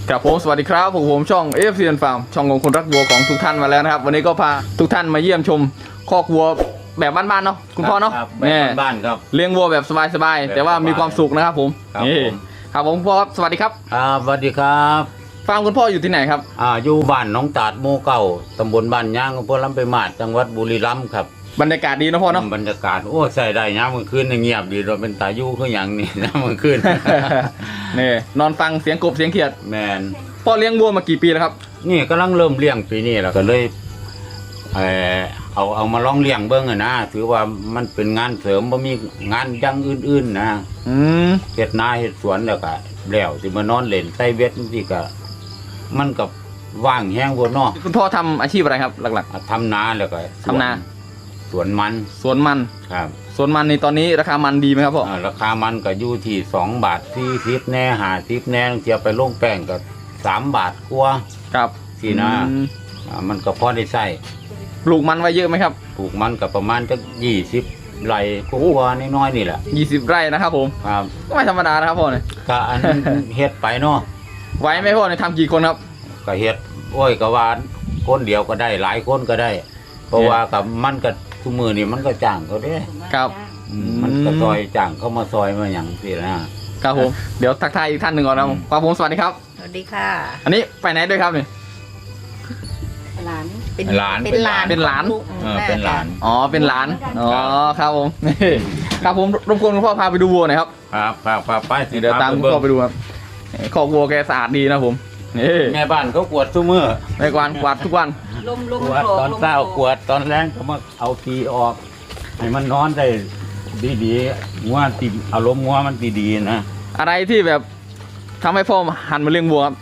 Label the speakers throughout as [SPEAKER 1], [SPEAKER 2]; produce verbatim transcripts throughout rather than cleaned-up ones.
[SPEAKER 1] ครับผมสวัสดีครับผมผมช่อง เอ เอฟ ซี Farm ช่องของคนรักวัวของทุกท่านมาแล้วนะครับวันนี้ก็พาทุกท่านมาเยี่ยมชมคอกวัวแบบบ้านๆเนาะคุณพ่อเนาะ
[SPEAKER 2] แบบบ้านครับ
[SPEAKER 1] เลี้ยงวัวแบบสบายๆแต่ว่ามีความสุขนะครับผมนี่ครับผมพ่อครับสวัสดีครับ
[SPEAKER 2] ครับสวัสดีครับ
[SPEAKER 1] ฟาร์มคุณพ่ออยู่ที่ไหนครับ
[SPEAKER 2] อ่าอยู่บ้านหนองตาดหมู่เก้าตำบลบ้านย่างอำเภอลำปางมาศจังหวัดบุรีรัมย์ครับ
[SPEAKER 1] บรรยากาศดีนะพ่อเนาะ
[SPEAKER 2] บรรยากาศโอ้ใส่ได้ยามมื้อคืนเงียบดีเราเป็นตายู่คือหยังนี่ยามมื้อคืน
[SPEAKER 1] นี่นอนฟังเสียงกบเสียงเขียด
[SPEAKER 2] แมน
[SPEAKER 1] พ่อเลี้ยงวัวมากี่ปีแล้วครับ
[SPEAKER 2] นี่กำลังเริ่มเลี้ยงปีนี้แล้วก็เลยเออเอาเอามาลองเลี้ยงเบิ่งอ่ะนะถือว่ามันเป็นงานเสริมบ่มีงานอย่างอื่นๆนะ
[SPEAKER 1] อืม
[SPEAKER 2] เฮ็ดนาเฮ็ดสวนแล้วก็แล้วสิมานอนเล่นใส่เวทจังซี่ก็มันก็ว่างแฮงบ่เนาะ
[SPEAKER 1] คุณพ่อทำอาชีพอะไรครับหลัก
[SPEAKER 2] ๆทำนาแล้วก็
[SPEAKER 1] ทำนา
[SPEAKER 2] สวนมัน
[SPEAKER 1] สวนมัน
[SPEAKER 2] ครับ
[SPEAKER 1] สวนมันในตอนนี้ราคามันดีไหมครับพ่อ
[SPEAKER 2] ราคามันก็อยู่ที่สองบาทสี่สิบแน่ห้าสิบแน่เทียบไปลงแป้งก็สามบาทกว่า
[SPEAKER 1] ครับ
[SPEAKER 2] ที่นะมันก็พอได้ใช้
[SPEAKER 1] ปลูกมันไว้เยอะไหมครับ
[SPEAKER 2] ปลูกมันก็ประมาณจะยี่สิบไร่กว่าน้อยๆนี่แหละ
[SPEAKER 1] ยี่สิบไร่นะครับผม
[SPEAKER 2] ครับ
[SPEAKER 1] ก็ไม่ธรรมดานะครับพ่อเนี่ย
[SPEAKER 2] ก็อันเฮ็ดไปเนาะ
[SPEAKER 1] ไหวไหมพ่อเนี่ยทำกี่คนครับ
[SPEAKER 2] ก็เฮ็ดโอ้ยก็ว่าคนเดียวก็ได้หลายคนก็ได้เพราะว่ากับมันก็ทุกมือนี่มันก็จ้างเขาเด้
[SPEAKER 1] ครับ
[SPEAKER 2] มันก็ซอยจ้างเข้ามาซอยมาอย่างสินะครับ
[SPEAKER 1] ผมเดี๋ยวทักทายอีกท่านหนึ่งก่อนนะครับครับผมสวัสดีครับ
[SPEAKER 3] สวัสดีค่ะ
[SPEAKER 1] อันนี้ไปไหนด้วยครับเนี่ย
[SPEAKER 3] หลานเป็น
[SPEAKER 2] หลาน
[SPEAKER 3] เป็นหลาน
[SPEAKER 1] เป็นหลาน
[SPEAKER 2] เป็นหลาน
[SPEAKER 1] อ๋อเป็นหลานอ๋อครับผมนี่ครับผมรบกวนคุณพ่อพาไปดูวัวหน่อยครับ
[SPEAKER 2] ครับพาพาไป
[SPEAKER 1] เดี๋ยวตามคุณพ่อไปดูครับคอกวัวแกสะอาดดีนะผมนี่
[SPEAKER 2] แม่บ้านเขากวดทุกมื้อ
[SPEAKER 1] แม่กวาดกวาดทุกวัน
[SPEAKER 3] ลมลม
[SPEAKER 2] กวดตอนเช้ากวดตอนแรงเขามาเอาทีออกให้มันนอนได้ดีๆงัวติดอารมณ์งัวมันดีๆนะ
[SPEAKER 1] อะไรที่แบบทำให้พ่อหันมาเลี้ยงวัวครับ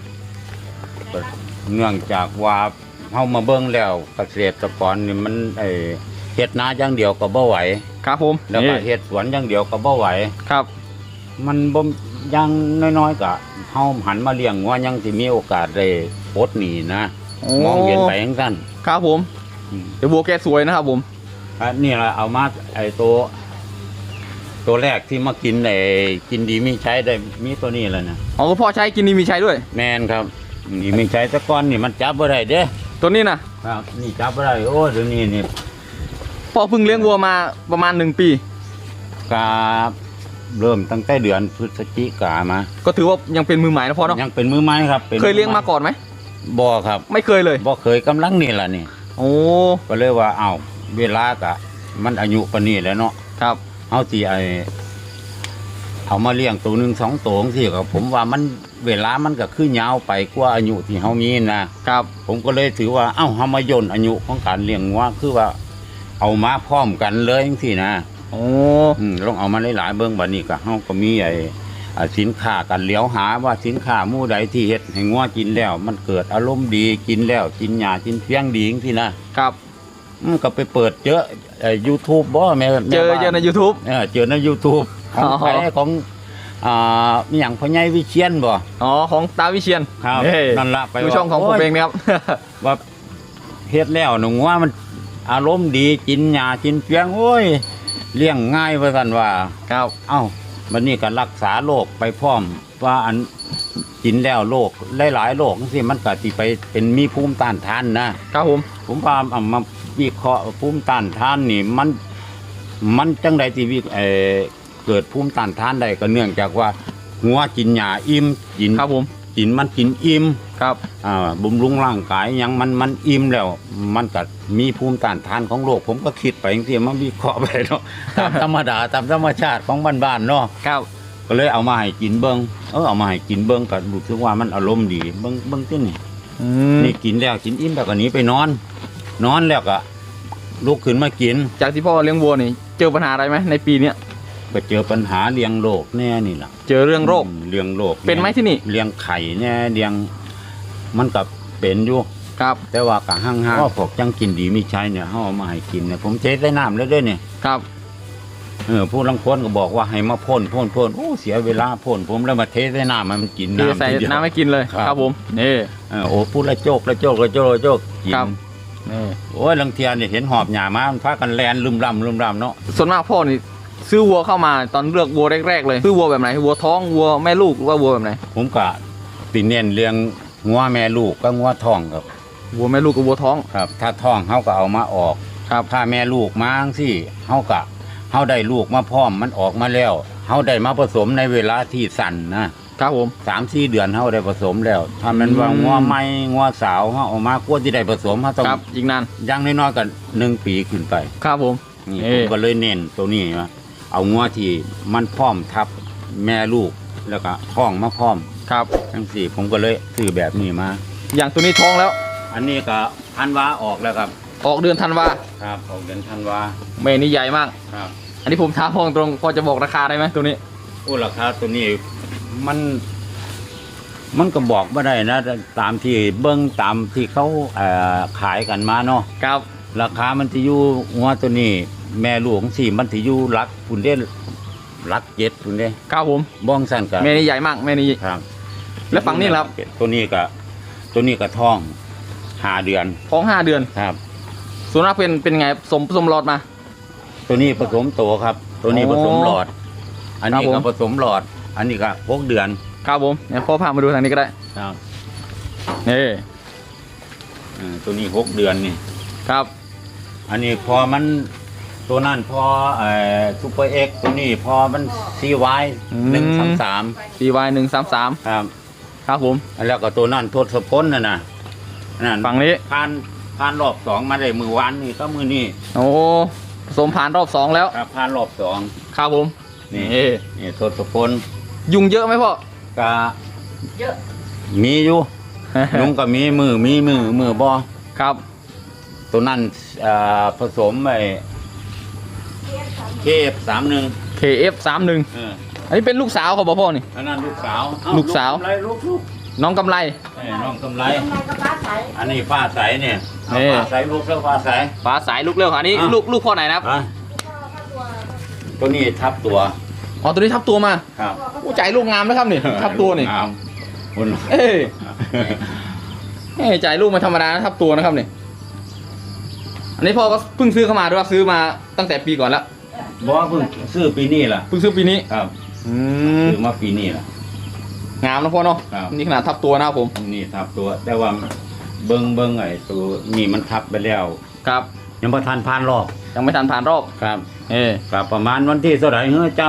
[SPEAKER 2] เนื่องจากว่าเฮามาเบิ่งแล้วเกษตรกรนี่มันไอ้เฮ็ดนาอย่างเดียวก็บ่ไหว
[SPEAKER 1] ครับผม
[SPEAKER 2] แล้วก็เฮ็ดสวนอย่างเดียวก็บ่ไหว
[SPEAKER 1] ครับ
[SPEAKER 2] มันบ่ยังน้อยๆก็เฮาหันมาเลี้ยงงัวยังสิมีโอกาสได้ปลดหนี้นะมองเห็นไปจังซั่น
[SPEAKER 1] ครับผมเดี๋ยววัวแกสวยนะครับผม
[SPEAKER 2] อันนี้ล่ะเอามาไอ้ตัวตัวแรกที่มากินไอ้กินดีมีใช้ได้มีตัวนี้แล้วนะ
[SPEAKER 1] อ๋อพ่อใช้กินดีมีใช้ด้วย
[SPEAKER 2] แม่นครับนี่มีใช้แต่ก่อนนี่มันจับบ่ได้เด้
[SPEAKER 1] ตัวนี้นะครับ
[SPEAKER 2] นี่จับบ่ได้โอ้เดี๋ยวนี้นี่
[SPEAKER 1] พ่อเพิ่งเลี้ยงวัวมาประมาณหนึ่งปี
[SPEAKER 2] ครับเริ่มตั้งแต่เดือนพฤศจิกามา
[SPEAKER 1] ก็ถือว่ายังเป็นมือใหม่นะพ่อเนาะ
[SPEAKER 2] ยังเป็นมือใหม่ครับ
[SPEAKER 1] เคยเลี้ยงมาก่อนไหม
[SPEAKER 2] บ่ครับ
[SPEAKER 1] ไม่เคยเลย
[SPEAKER 2] บ่เคยกำลังนี่แหละนี่
[SPEAKER 1] โอ้
[SPEAKER 2] ก็เลยว่าเอ้าเวลากะมันอายุปานนี้แล้วเนาะ
[SPEAKER 1] ครับ
[SPEAKER 2] เอาสิไอเอามาเลี้ยงตัวหนึ่งสองตัวสิครับผมว่ามันเวลามันก็คือยาวไปกว่าอายุที่เฮามีนะครับผมก็เลยถือว่าเอ้าเฮามาย่นอายุของการเลี้ยงวัวคือว่าเอามาพร้อมกันเลยจังซี่นะ
[SPEAKER 1] โอ้
[SPEAKER 2] อืมลองเอามาหลายๆเบิ่งบัดนี้ก็เฮาก็มีไอ้สินค้ากันเหลียวหาว่าสินค้าหมู่ใดที่เฮ็ดให้งัวกินแล้วมันเกิดอารมณ์ดีกินแล้วกินหญ้ากินเพียงดีจังซี่นะครับอืมก็ไปเปิดเจอไอ้ YouTube บ่แม่
[SPEAKER 1] เจอเจอใน YouTube
[SPEAKER 2] เออเจอใน YouTube ของใครของอ่ามีหยังพ่อใหญ่วิเชียรบ่
[SPEAKER 1] อ๋อของตาวิเชียร
[SPEAKER 2] ครับนั่นล่ะไป
[SPEAKER 1] ช่องของผมเองนะครับ
[SPEAKER 2] ว่าเฮ็ดแล้วหนูว่ามันอารมณ์ดีกินหญ้ากินเพียงโอ้ยเลี้ยงง่ายว่าซั่นว่า
[SPEAKER 1] ครับ
[SPEAKER 2] เอ้าบัดนี้ก็รักษาโรคไปพร้อมว่าอันกินแล้วโรคหลายๆโรคจังซี่มันก็สิไปเป็นมีภูมิต้านทานนะครับ
[SPEAKER 1] ผม
[SPEAKER 2] ผมพาเอามาวิเคราะห์ภูมิต้านทานนี่มันมันจังได๋ที่วิเอ่อเกิดภูมิต้านทานได้ก็เนื่องจากว่าหัวกินหญ้าอิ่มกิน
[SPEAKER 1] ครับผม
[SPEAKER 2] กินมันกินอิ่ม
[SPEAKER 1] ครับ
[SPEAKER 2] อ่าบำรุงร่างกายหยังมันมันอิ่มแล้วมันก็มีภูมิต้านทานของโรคผมก็คิดไปจังซี่มาวิเคราะห์ไปเนาะตามธรรมดาตามธรรมชาติของบ้านๆเนาะ
[SPEAKER 1] ครับ
[SPEAKER 2] ก็เลยเอามาให้กินเบิ่งเออเอามาให้กินเบิ่งก็รู้สึกว่ามันอารมณ์ดีเบิ่งเบิ่งตินี่
[SPEAKER 1] อืม
[SPEAKER 2] นี่กินแล้วกินอิ่มแล้วก็หนีไปนอนนอนแล้วก็ลุกขึ้นมากิน
[SPEAKER 1] จากที่พ่อเลี้ยงวัวนี่เจอปัญหาอะไรไหมในปีนี้
[SPEAKER 2] ก็เจอปัญหาเลี้ยงโรคแน่นี่ล่ะ
[SPEAKER 1] เจอเรื่องโรค
[SPEAKER 2] เลี้ยงโรค
[SPEAKER 1] เป็นไหมที่นี่
[SPEAKER 2] เลี้ยงไข่แน่เลี้ยงมันก็เป็นอยู่
[SPEAKER 1] ครับ
[SPEAKER 2] แต่ว่าก็ห่างๆว่าพวกจังกินดีมีใช้เนี่ยเฮาเอามาให้กินเนี่ยผมเทใส่น้ำแล้วด้วยเนี่ย
[SPEAKER 1] ครับ
[SPEAKER 2] เออผู้ลังคนก็บอกว่าให้มาพ่นพ่นพ่นโอ้เสียเวลาพ่นผมแล้วมาเทใส่น้ำมันกินน้ำ
[SPEAKER 1] ใส่น้ำไม่กินเลยครับผมนี่
[SPEAKER 2] เออโอ้พูดละโจกละโจกละโจกละโจกกิน
[SPEAKER 1] นี่
[SPEAKER 2] โอ้ยลังเทียนเนี่ยเห็นหอบหญ้ามามันพากันแลนลืมรำลืมรำเนาะ
[SPEAKER 1] ส่วนมากพ่อนี่ซื้อวัวเข้ามาตอนเลือกวัวแรกๆเลยซื้อวัวแบบไหนวัวท้องวัวแม่ลูกหรือว่าวัวแบบไหน
[SPEAKER 2] ผมก็สิเน้นเลี้ยงงัวแม่ลูกก็งัวท้องครับ
[SPEAKER 1] วัวแม่ลูกกับวัวท้อง
[SPEAKER 2] ครับ ถ้าท้องเฮาก็เอามาออก
[SPEAKER 1] ครับ
[SPEAKER 2] ถ้าแม่ลูกมาจังซี่เฮาก็เฮาได้ลูกมาพร้อมมันออกมาแล้วเฮาได้มาผสมในเวลาที่สั้นนะครับ
[SPEAKER 1] ผม
[SPEAKER 2] สามสี่เดือนเฮาได้ผสมแล้ว ถ้ามันว่า
[SPEAKER 1] อืม
[SPEAKER 2] งัวใหม่งัวสาวเฮาเออกมากว่าที่ได้ผสมเฮาต้อง
[SPEAKER 1] ครับอีกนาน
[SPEAKER 2] อย่างน้อยๆก็หนึ่งปีขึ้นไป
[SPEAKER 1] ครับผม
[SPEAKER 2] นี่
[SPEAKER 1] เอ่
[SPEAKER 2] ผมก็เลยเน้นตัวนี้ว่าเอางัวที่มันพร้อมทับแม่ลูกแล้วก็ท้องมาพร้อม
[SPEAKER 1] ครับ
[SPEAKER 2] ทั้งสี่ผมก็เลยซื้อแบบนี้มา
[SPEAKER 1] อย่างตัวนี้ท้องแล้ว
[SPEAKER 2] อันนี้ก็ธันวาออกแล้วครับ
[SPEAKER 1] ออกเดือนธันวา
[SPEAKER 2] ครับออกเดือนธันวา
[SPEAKER 1] แม่นี่ใหญ่มาก
[SPEAKER 2] ครับ
[SPEAKER 1] อันนี้ผมถามพองตรงพอจะบอกราคาได้ไหมตัวนี้
[SPEAKER 2] โอ้ราคาตัวนี้มัน มันก็บอกไม่ได้นะตามที่เบิ้งตามที่เขาเอ่อขายกันมาเนาะ
[SPEAKER 1] ครับ
[SPEAKER 2] ราคามันจะอยู่งัวตัวนี้ แม่ลูกของสี่มันจะอยู่รักคุณเด้รักเจ็ดคุณเด้
[SPEAKER 1] ครับผม
[SPEAKER 2] บ้องสั้นกับ
[SPEAKER 1] แม่นี่ใหญ่มากแม่นี่
[SPEAKER 2] ครับ
[SPEAKER 1] แล้วฝั่งนี้ล่ะครับ
[SPEAKER 2] ตัวนี้ก็ตัวนี้ก็ท้องห้าเดือน
[SPEAKER 1] ท้องห้าเดือน
[SPEAKER 2] ครับ
[SPEAKER 1] ส่วนมากเป็นเป็นไงสมสมหลอดมา
[SPEAKER 2] ตัวนี้ผสมโตครับ ตัวนี้
[SPEAKER 1] อ๋อ
[SPEAKER 2] ผสมหลอด อันนี้
[SPEAKER 1] ครั
[SPEAKER 2] ก็
[SPEAKER 1] บผม
[SPEAKER 2] ผสมหลอด อันนี้ก็หกเดือน
[SPEAKER 1] ครับผมเดี๋ยวพ่อพามาดูทางนี้ก็ได้
[SPEAKER 2] ครับ
[SPEAKER 1] นี่
[SPEAKER 2] เออตัวนี้หกเดือนนี่
[SPEAKER 1] ครับ
[SPEAKER 2] อันนี้พอมันตัวนั้นพอเอ่อซูเปอร์เอ็กตัวนี้พอมันซีไวหนึ่งสามสาม
[SPEAKER 1] ซีวายหนึ่งสามสาม
[SPEAKER 2] ครับ
[SPEAKER 1] ครับผม
[SPEAKER 2] แล้วก็ตัวนั้นทศพลน่ะนะนั่น
[SPEAKER 1] ฝั่งนี้
[SPEAKER 2] ผ่านผ่านรอบสองมาได้มือวานนี่ก็มือนี่
[SPEAKER 1] โอ้ผสมผ่านรอบสองแล้ว
[SPEAKER 2] ครับผ่านรอบสอง
[SPEAKER 1] ครับผม
[SPEAKER 2] นี่
[SPEAKER 1] นี่
[SPEAKER 2] นี่ทศพล
[SPEAKER 1] ยุงเยอะไหมพ่อ
[SPEAKER 2] ก็
[SPEAKER 3] เยอะ
[SPEAKER 2] มีอยู่ ลุงก็มีมือมีมือมือบ่
[SPEAKER 1] ครับ
[SPEAKER 2] ตัวนั้นเอ่อผสมไอ้เคฟสามหนึ่ง
[SPEAKER 1] เค เอฟ สามหนึ่ง
[SPEAKER 2] เออ
[SPEAKER 1] อันนี้เป็นลูกสาวของพ่อนี่
[SPEAKER 2] อันนั้นลูกสาว
[SPEAKER 1] ลูกสาว
[SPEAKER 2] อะไรลูกลูก
[SPEAKER 1] น้องกำไร
[SPEAKER 2] เอ้ยน้องกำไร
[SPEAKER 3] ทำไมกับป้าใส
[SPEAKER 2] อันนี้ฟ้าใสเนี่ยเอา
[SPEAKER 1] นี่
[SPEAKER 2] ฟ้าใสลูกแล้วฟ้าใส
[SPEAKER 1] ฟ้าสายลูกเร็วค่ะอันนี้
[SPEAKER 2] อ่ะ
[SPEAKER 1] ลูกลูกพ่อไหนนะครับ
[SPEAKER 2] อ่ะตัวนี้ทับตัว
[SPEAKER 1] อ๋อตัวนี้ทับตัวมา
[SPEAKER 2] ครับ
[SPEAKER 1] อู้ใจลูกงามนะครับนี่ทับตัวนี่
[SPEAKER 2] งามคุณ
[SPEAKER 1] เอ้ยเอ้ยใจลูกไมาธรรมดานะทับตัวนะครับนี่อันนี้พ่อก็เพิ่งซื้อเข้ามาด้วยว่าซื้อมาตั้งแต่ปีก่อนแล้ว
[SPEAKER 2] บอกว่าเพิ่งซื้อปีนี้ล่ะ
[SPEAKER 1] เพิ่งซื้อปีนี้
[SPEAKER 2] ครับ
[SPEAKER 1] อืม
[SPEAKER 2] ซื้อมาปีนี้ล่ะ
[SPEAKER 1] งามนะพ่อเนาะ
[SPEAKER 2] ครับ
[SPEAKER 1] นี่ขนาดทับตัวนะครับผม
[SPEAKER 2] นี่ทับตัว แต่ว่าเบิ้งเบิ้งไอ้ตัวนี่มันทับไปแล้ว
[SPEAKER 1] ครับ
[SPEAKER 2] ยังประทานผ่านรอบ
[SPEAKER 1] ยังไม่ทันผ่านรอบ
[SPEAKER 2] ครับ
[SPEAKER 1] เอ้ย
[SPEAKER 2] ครับประมาณวันที่เท่าไหร่เฮ้ยเจ้า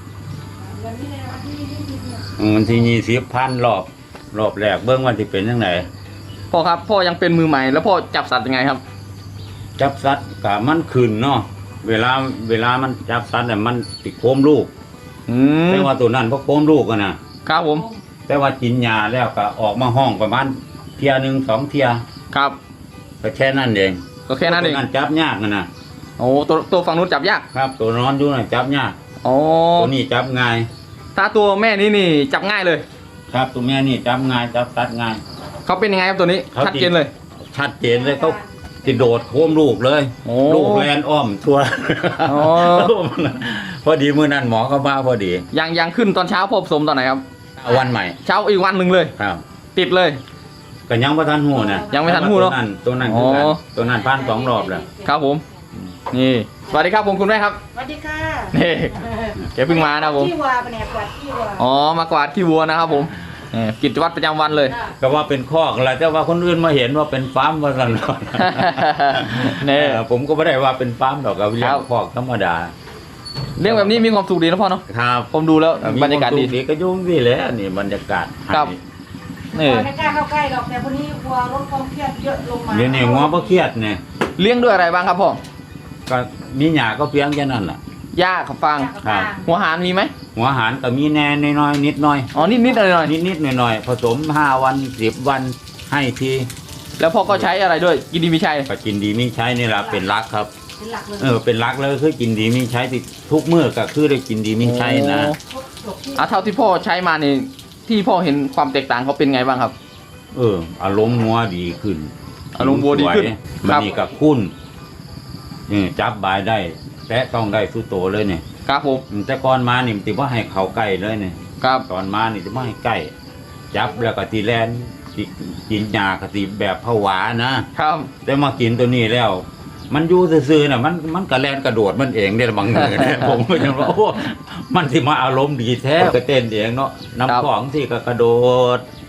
[SPEAKER 2] อืมวันที่ยี่สิบพันรอบ รอบแรกเบิ้งวันที่เป็นยังไง
[SPEAKER 1] พ่อครับพ่อยังเป็นมือใหม่แล้วพ่อจับสัตว์ยังไงครับ
[SPEAKER 2] จับสัตว์กับมันขึ้นเนาะเวลาเวลามันจับสัตว์เนี่ยมันติดโคมลูก
[SPEAKER 1] อืม
[SPEAKER 2] แต่ว่าตัวนั้นพอโคมลูกกันนะครับ
[SPEAKER 1] ผม
[SPEAKER 2] แต่ว่ากินยาแล้วก็ออกมาห้องประมาณเทียหนึ่งสองเทีย
[SPEAKER 1] ครับ
[SPEAKER 2] ก็แค่นั้นเอง
[SPEAKER 1] ก็แค่นั้นเอง
[SPEAKER 2] ตัวนั้นจับยากนะนะ
[SPEAKER 1] โอ้ตัวตัวฝั่งนู้นจับยาก
[SPEAKER 2] ครับ ตัวนอนอยู่น่ะจับยาก
[SPEAKER 1] โอ้
[SPEAKER 2] ตัวนี้จับง่าย
[SPEAKER 1] ถ้าตัวแม่นี่นี่จับง่ายเลย
[SPEAKER 2] ครับตัวแม่นี่จับง่ายจับตัดง่าย
[SPEAKER 1] เขาเป็นยังไงครับตัวนี้
[SPEAKER 2] เขา
[SPEAKER 1] ชัดเจนเลย
[SPEAKER 2] ชัดเจนเลยเขาจะโดดโค้มลูกเลย
[SPEAKER 1] โอ้
[SPEAKER 2] ลูกแลนอ้อมทัว
[SPEAKER 1] อ๋อ
[SPEAKER 2] พอดีมือนั้นหมอเขามาพอดี
[SPEAKER 1] ยังยังขึ้นตอนเช้าพ่อผสมตอนไหนครับ
[SPEAKER 2] เอาวันใหม่
[SPEAKER 1] เช้าอีกวันหนึ่งเลย
[SPEAKER 2] ครับ
[SPEAKER 1] ติดเลย
[SPEAKER 2] ก็ยังประทันหูนะ
[SPEAKER 1] ยังไม่ทันหูเนอะ
[SPEAKER 2] ตัวนั้นตัวนั้นคือกัน
[SPEAKER 1] อ๋อ
[SPEAKER 2] ตัวนั้นผ่านสองรอบแล้ว
[SPEAKER 1] ครับผม นี่สวัสดีครับผมคุณแม่ครับ
[SPEAKER 3] สวัสดีค่ะ
[SPEAKER 1] นี่แกเพิ่งมานะครับผม
[SPEAKER 3] ที่วัวปะเนี่ยกวาดที่วัว
[SPEAKER 1] อ๋อมากวาดขี้วัวนะครับผมนี่กิจวัตรประจำวันเลย
[SPEAKER 2] ก็ว่าเป็นคอกอะไรแต่ว่าคนอื่นมาเห็นว่าเป็นฟาร์มว่าสัน
[SPEAKER 1] นี่
[SPEAKER 2] เออผมก็ไม่ได้ว่าเป็นฟาร์มหรอกครับเลี้ย
[SPEAKER 1] ครั
[SPEAKER 2] ง
[SPEAKER 1] บ
[SPEAKER 2] คอกธรรมดา
[SPEAKER 1] เรื่องแบบนี้มีความสุขดีนะพ่อเนาะ
[SPEAKER 2] ครับ
[SPEAKER 1] ผมดูแล้วบรรยากาศดี
[SPEAKER 2] มีก็ยุ่งดีแหล้วนี่บรรยากาศ
[SPEAKER 1] ครับ นี่
[SPEAKER 3] วัวไม่กล้าเข้าใกล้หรอกแต่วันนี้วัวลดความเครียดเยอะลงมา
[SPEAKER 2] เดี๋ยวนี้งัวบ่เครียดเนี่ย
[SPEAKER 1] เลี้ยงด้วยอะไรบ้างครับพ่อ
[SPEAKER 2] ก็มีหญ้าก็เพียงแค่นั้นแหละ
[SPEAKER 1] หญ้าขับฟาง
[SPEAKER 2] ครับ
[SPEAKER 1] หัวหารมีไหม
[SPEAKER 2] หัวอาหารก็มีแน่น้อยๆนิดหน่อย
[SPEAKER 1] อ๋อนิดนิดหน่อยหน่อย
[SPEAKER 2] นิดนิดหน่อยหน่อยๆผสมห้าวันสิบวันให้ที
[SPEAKER 1] แล้วพ่อก็ใช้อะไรด้วยกินดีมีชัย
[SPEAKER 2] ก็กินดีมีใช้นี่แหละเป็นรักครับ
[SPEAKER 3] เป็นหลักเลย
[SPEAKER 2] เออเป็นรักแล้วคือกินดีมีใช้ที่ทุกมื้อก็คือได้กินดีมีใช้นะ
[SPEAKER 3] จบที่
[SPEAKER 1] อ่ะเท่าที่พ่อใช้มานี่ที่พ่อเห็นความแตกต่างเขาเป็นไงบ้างครับ
[SPEAKER 2] เอออารมณ์งัวดีขึ้น
[SPEAKER 1] อารมณ์วัวดีขึ้น
[SPEAKER 2] สย
[SPEAKER 1] ค
[SPEAKER 2] มั
[SPEAKER 1] รั
[SPEAKER 2] น
[SPEAKER 1] บ
[SPEAKER 2] นี่กับคุ้นนี่จับบายได้แตะต้องได้สุดโตเลยเนี่ย
[SPEAKER 1] ครับผม
[SPEAKER 2] อืมแต่ก่อนมานี่มันติว่าให้เขาใกล้เลยเนี่ย
[SPEAKER 1] ครับ
[SPEAKER 2] ตอนมานี่ติว่าให้ใกล้จับแล้วก็ตีแลนสิกินยากติแบบผวานะครับ แต่มากินตัวนี้แล้ว มันอยู่ซื่อๆน่ะมันมันกระแลนกระโดดมันเองเนี่ยบางเงินเนี่ย ผมก็ยังว่าโอ้มันสิมาอารมณ์ดีแท้ก็เต้นเองเนาะน้ำของที่ก็กระโดด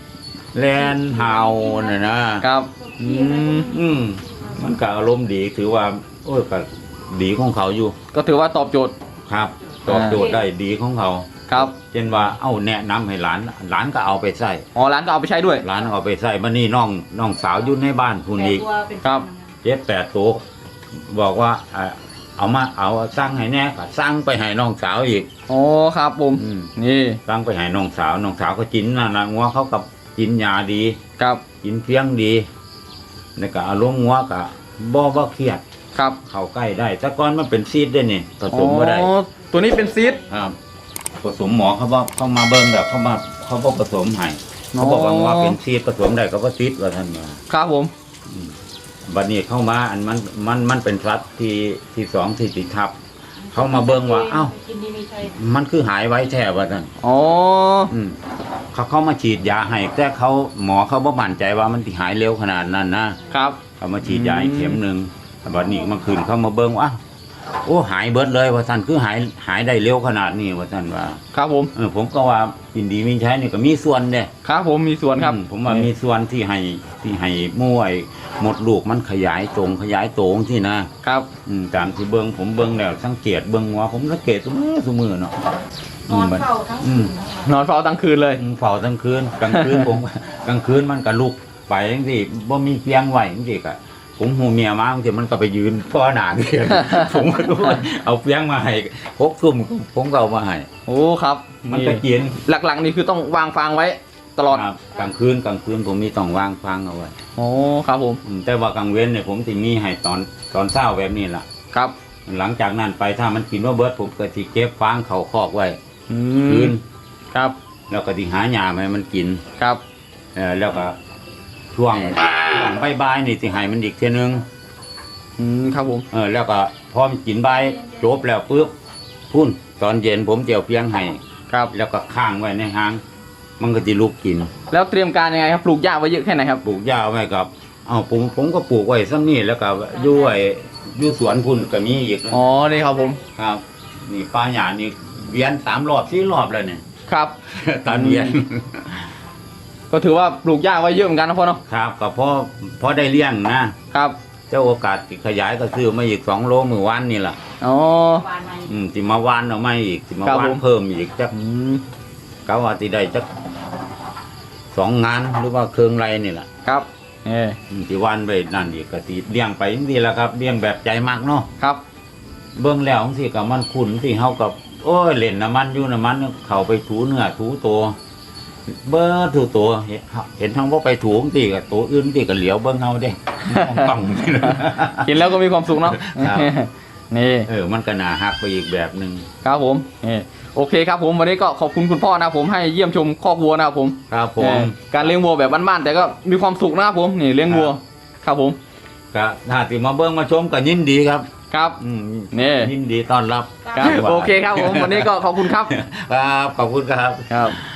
[SPEAKER 2] แลนเฮาน่ะนะครับ
[SPEAKER 1] อืม
[SPEAKER 2] อืมมันก็อารมณ์ดีถือว่า โอ้ยก็ดีของเขาอยู่
[SPEAKER 1] ก็ถือว่าตอบโจทย์
[SPEAKER 2] ครับตอบโจทย์ได้ดีของเขา
[SPEAKER 1] ครับ
[SPEAKER 2] เช่นว่าเอ้าแนะนำให้หลานหลานก็เอาไปใส่
[SPEAKER 1] อ๋อร้านก็เอาไปใช้ด้วย
[SPEAKER 2] หลานเอาไปใส่มานี่น้องน้องสาวอยู่ในบ้านคุณ
[SPEAKER 3] แต่
[SPEAKER 2] อีก
[SPEAKER 3] ตัวเป็น
[SPEAKER 1] ครับ
[SPEAKER 2] เจ็ดแปดตัวบอกว่าอ่าเอามาเอาสั่งให้แน่ก็สั่งไปให้น้องสาวอีก
[SPEAKER 1] อ๋อครับผม
[SPEAKER 2] อืม
[SPEAKER 1] นี่
[SPEAKER 2] สั่งไปให้น้องสาวน้องสาวก็กินน่ะนะงัวเขากับกินยาดี
[SPEAKER 1] ครับ
[SPEAKER 2] กินเพียงดีแล้วก็อารมณ์งัวก็บ่บ่เครียด
[SPEAKER 1] ครับ
[SPEAKER 2] เข้าใกล้ได้แต่ก่อนมันเป็นซีดได้นี่ผสมบ่ได้
[SPEAKER 1] อ๋อตัวนี้เป็นซีด
[SPEAKER 2] ครับผสมหมอเขาบอกเขามาเบิ่งแบบเขามาเขาบอกผสมให้เขาบอกว่างัวเป็นซีดผสมได้เขาก็ซีดว่าท่านว่า
[SPEAKER 1] ครับผม
[SPEAKER 2] บัดนี้เข้ามาอันมันมันมันเป็นสัตว์ที่ที่สองที่ติดทับ เขามาเบิ่งว่าเอ้า
[SPEAKER 3] กินดีมีชัย
[SPEAKER 2] มันคือหายไว้แท้ว่าท่าน
[SPEAKER 1] อ๋อ
[SPEAKER 2] อืมเขาเข้ามาฉีดยาให้แต่เขาหมอเขาบ่มั่นใจว่ามันสิหายเร็วขนาดนั้นนะครับ เขามาฉีดยาอีกเข็มหนึ่งบัดนี้เมื่อคืนเขามาเบิ่งว่าอ้าวโอ้หายเบิดเลยว่าท่านคือหายหายได้เร็วขนาดนี้ว่าท่านว่า
[SPEAKER 1] ครับผม
[SPEAKER 2] เออผมก็ว่ายินดีมีใช้นี่ก็มีส่วนเด้
[SPEAKER 1] ครับผมมีส่วนครับ
[SPEAKER 2] อืมผมว่ามีส่วนที่ให้ที่ให้มวยหมดลูกมันขยายตรงขยายโตงที่นะครับ อืมตามที่เบิ่งผมเบิ่งแล้วสังเกตเบิ่งว่าผมสังเกตทุกมือทุกมือเนาะ
[SPEAKER 3] นอนเฝ้าทั้ง
[SPEAKER 2] อื
[SPEAKER 3] คื
[SPEAKER 2] ม
[SPEAKER 3] นนะคะ
[SPEAKER 1] นอนเฝ้าทั้งคืนเลย
[SPEAKER 2] อืมเฝ้าทั้งคืนกลางคืนผม กลางคืนมันก็ลุกไปจังซี่บ่มีเตียงไว้จังซี่ก็ผมหูเมียมาบางทีมันก็ไปยืนพ่อหน้าเตียง ผมก็รู้ว่าเอาเตียงมาให้หกทุ่มผมก็เอามาให้
[SPEAKER 1] โอ้ครับ
[SPEAKER 2] มันก็กิน
[SPEAKER 1] หลักๆนี่คือต้องวางฟางไว้ตลอด
[SPEAKER 2] ครับกลางคืนกลางคืนผมมีต้องวางฟังเอาไว้
[SPEAKER 1] โอ้ครับผม
[SPEAKER 2] อืมแต่ว่ากลางเว้นเนี่ยผมสิมีให้ตอนตอนเช้าแบบนี้ล่ะ
[SPEAKER 1] ครับ
[SPEAKER 2] หลังจากนั้นไปถ้ามันกินว่าเบิดผมก็สิเก็บฟางเขาคอกไว้
[SPEAKER 1] อื
[SPEAKER 2] คื
[SPEAKER 1] ม
[SPEAKER 2] น
[SPEAKER 1] ครับ
[SPEAKER 2] แล้วก็สิหาหญ้ามาให้มันกิน
[SPEAKER 1] ครับ
[SPEAKER 2] เออแล้วก็ช่วงช่วงบ่ายๆนี่สิให้มันอีกเทื่อนึง
[SPEAKER 1] อืมครับผม
[SPEAKER 2] เออแล้วก็พอมันกินใบายจบแล้วปุ๊บพุ่นตอนเย็นผมเจียวเพียงให้
[SPEAKER 1] ครับ
[SPEAKER 2] แล้วก็ข้างไว้ในหาง มันก็จะลุกกิน
[SPEAKER 1] แล้วเตรียมการยังไงครับปลูกหญ้าไว้เยอะแค่ไหนครับ
[SPEAKER 2] ปลูกหญ้าไว้กับเอาผมผมก็ปลูกไว้ซ้ำนี่แล้วก็อยู่ไอ้อยู่สวนพุ่นก็มีอีกนะ
[SPEAKER 1] อ๋อนี่ครับผม
[SPEAKER 2] ครับ นี่ป้าหยานี่เวียนสามรอบสี่รอบแล้วเนี่ย
[SPEAKER 1] ครับ
[SPEAKER 2] ตอนเวียน
[SPEAKER 1] ก็ถือว่าปลูกหญ้าไว้เยอะเหมือนกันนะพ่อเนาะ
[SPEAKER 2] ครับก็พอพอได้เลี้ยงนะครับเจ้าโอกาสที่ขยายก็ซื้อมาอีกสองโลมือวันนี่แหละ
[SPEAKER 1] อ๋อ
[SPEAKER 3] วานใน
[SPEAKER 2] อืมสิมาวานเอาไม่อีกสิมา
[SPEAKER 1] ครับ
[SPEAKER 2] วา
[SPEAKER 1] ผ
[SPEAKER 2] น
[SPEAKER 1] ม
[SPEAKER 2] เพิ่มอีกจัก
[SPEAKER 1] อืม
[SPEAKER 2] ก็ว่าที่ได้จักสองงานหรือว่าเครื่องไรนี่แหละ
[SPEAKER 1] ครับเออ
[SPEAKER 2] อืมที่วานไปนั่นอีกก็สิเลี้ยงไปนี่แหละครับเลี้ยงแบบใจมากเนาะ
[SPEAKER 1] ครับ
[SPEAKER 2] เบิ่งแล้วสิกับมันขุนสิเฮากับโอ้ยเล่นน้ำมันอยู่น้ำมันเข้าไปถูเนื้อถูตัวเบิ่งถูตัวเห็นเห็นทั้งว่าไปถูสิกับตัวอื่นสิก็เหลียวเบิ่งเฮาเด้ต้อง
[SPEAKER 1] กินแล้วก็มีความสุขเนาะ
[SPEAKER 2] ครับ
[SPEAKER 1] นี่
[SPEAKER 2] เออมันก็น่าฮักไปอีกแบบหนึง
[SPEAKER 1] ครับผมนี่โอเคครับผมวันนี้ก็ขอบคุณคุณพ่อนะครับผมให้เยี่ยมชมคอกวัวนะครับผม
[SPEAKER 2] ครับผม
[SPEAKER 1] เออการเลี้ยงวัวแบบบ้านๆแต่ก็มีความสุขนะครับผมนี่เลี้ยงวัว ครับผม
[SPEAKER 2] ก็ถ้าสิมาเบิ่งมาชมก็ยินดีครับ
[SPEAKER 1] ครับ
[SPEAKER 2] อืม
[SPEAKER 1] นี่
[SPEAKER 2] ยินดีต้อนรับ
[SPEAKER 1] ครับโอเคครับผมวันนี้ก็ขอบคุณครับ
[SPEAKER 2] ครับขอบคุณครับ
[SPEAKER 1] ครับ